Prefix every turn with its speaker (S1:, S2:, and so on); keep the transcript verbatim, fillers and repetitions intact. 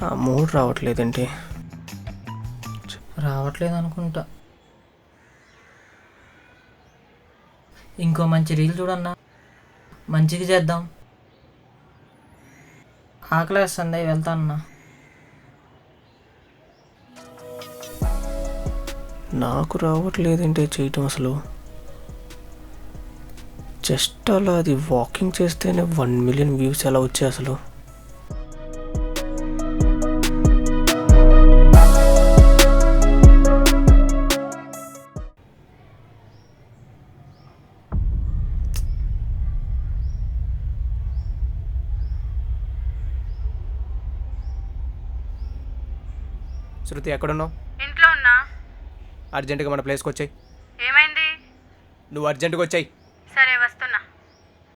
S1: మూడు రావట్లేదేంటి?
S2: రావట్లేదు అనుకుంటా. ఇంకో మంచి రీల్ చూడన్నా, మంచిగా చేద్దాం. ఆకలేస్తుంది, వెళ్తా అన్నా.
S1: నాకు రావట్లేదేంటి చేయటం అసలు. జస్ట్ అలా అది వాకింగ్ చేస్తేనే వన్ మిలియన్ వ్యూస్ ఎలా వచ్చాయి అసలు. శృతి ఎక్కడున్నావు?
S3: ఇంట్లో ఉన్నా.
S1: అర్జెంటుగా మన ప్లేస్కి వచ్చాయి.
S3: ఏమైంది?
S1: నువ్వు అర్జెంటుగా వచ్చాయి.
S3: సరే వస్తున్నా.